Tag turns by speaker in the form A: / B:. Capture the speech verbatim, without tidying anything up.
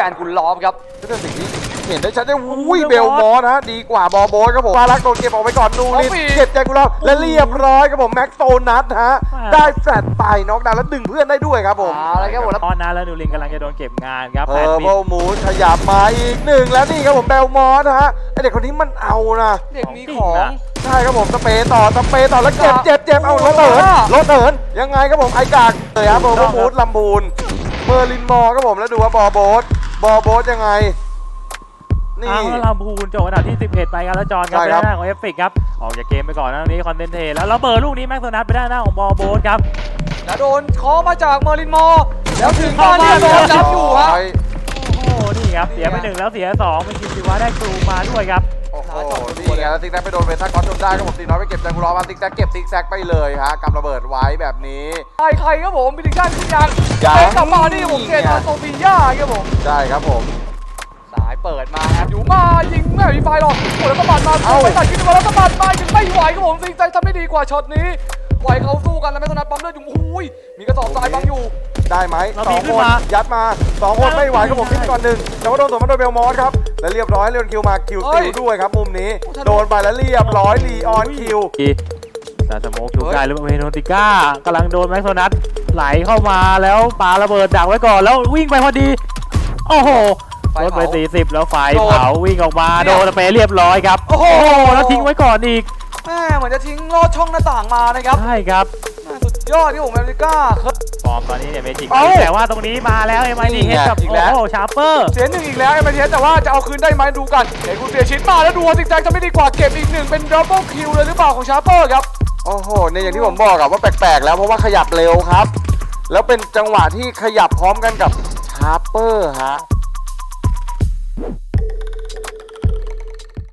A: นกุลล้อมครับ
B: ก็เป็นสิ่งที่เห็นได้ชัดเจนอุ้ยเบลมอสนะดีกว่าบอโบสครับผมฟารักโดนเก็บออกไปก่อนนูรินเก็บแจกุลาและเรียบร้อยครับผมแม็กโตนัทฮะได้แฟลตไปน็อกดาวน์แล้วดึงเพื่อนได้ด้วยครับผม
A: อะไรครับผมแล้ว
C: ตอนนั้นแล้วนูรินกำลังจะโดนเก็บงานครับ
B: เออโบมูสขยับมาอีกหนึ่งแล้วนี่ครับผมเบลมอสฮะไอเด็กคนนี้มันเอานะ
A: เด็กมีของ
B: ใช่ครับผมสเปย์ต่อสเปย์ต่อแล้วเจ็บเจ็บเจ็บเอารถเหินรถเหินยังไงครับผมไอกากเลยครับโบมูสลำบูนเมอร์ลินมอครับผมแล้วดูว่าบอโบสบอโบสยังไง
C: นี่เอาลำพูนจบอันดับที่สิบเอ็ดไปครับแล้วจอนครับไปด้านหน้าของเอฟฟิกครับออกจากเกมไปก่อนนะตรงนี้คอนเทนเทแล้วระเบิดลูกนี้แม็กโซนัทไปด้านหน้าของบอโบสครับ
A: แล้วโดนเคาะมาจากเมอร์ลินมอแล้วถึงบ้านเนี่ยโดนจับอยู่ฮะ
C: โอ้โหนี่ครับเสียไปหนึ่งแล้วเสียสองเป็นคิมซิวะได้ครูมาด้วยครับ
B: โอ้โหนี่ไงแล้วซิกแซกไปโดนเวทัสคอสจนได้ครับผมตีน้อยไปเก็บแจกุลามาซิกแซกเก็บซิกแซกไปเลยฮะกำระเบิดไว้แบบนี้
A: ใครใครครับผมบิลลิงกันขึ้นยังเป็นกลับมานี่ผมเกตมาโซฟีย่าครับผม
B: ใช่ครับผม
A: สายเปิดมาแอบอยู่มายิงแม่มีไฟหรอกโอ้แล้วก็บัดมาเอาไปตัดขึ้นมาแล้วก็บัดมายังไม่ไหวครับผมซิกแซกทำได้ดีกว่าช็อตนี้ไหวเขาสู้กันแล้วแม็กโซนัทปั๊มเลือดอยู่อุ้ยมีกระสอบทรายบังอยู่
B: ได้ไหมสองคนยัดมาสองคนไม่ไหวครับผมทิ้งก่อนหนึ่งแต่ว่าโดนสวนมาโดนเบลมอสครับและเรียบร้อยเรียนคิวมาคิวติวด้วยครับมุมนี้โดนไปแล้วเรียบร้อยลีออนคิว
C: ซาสโมกถูกได้หรือเปล่าเฮโนติก้ากำลังโดนแม็กโซนัทไหลเข้ามาแล้วปาระเบิดดักไว้ก่อนแล้ววิ่งไปพอดีโอ้โหรถไปสี่สิบแล้วไฟเผาวิ่งออกมาโดนไปเรียบร้อยครับโอ้โหแล้วทิ้งไว้ก่อนอีก
A: แม่เหมือนจะทิ้งลอดช่องหน้าต่างมานะครับ
C: ใช่ครับ
A: สุดยอดที่ผมอเมริกา
C: ฟอร์มตอนนี้เนี่ยเมจิกแต่ว่าตรงนี้มาแล้วเอ็มไอดีเฮดกับโอ้โหชาร์เปอร์
A: เสียหนึ่งอีกแล้วเอ็มไอดีเฮดแต่ว่าจะเอาคืนได้ไหมดูกันเห็นคุณเสียชิ้นมาแล้วดูว่าซิกแซกจะไม่ดีกว่าเก็บอีกหนึ่งเป็นดับเบิลคิวเลยหรือเปล่าของชาร์เปอร์ครับ
B: โอ้โหเนี่ยอย่างที่ผมบอกอะว่าแปลกๆแล้วเพราะว่าขยับเร็วครับแล้วเป็นจังหวะที่ขยับพร้อมกันกับชาร์เปอร์ฮะ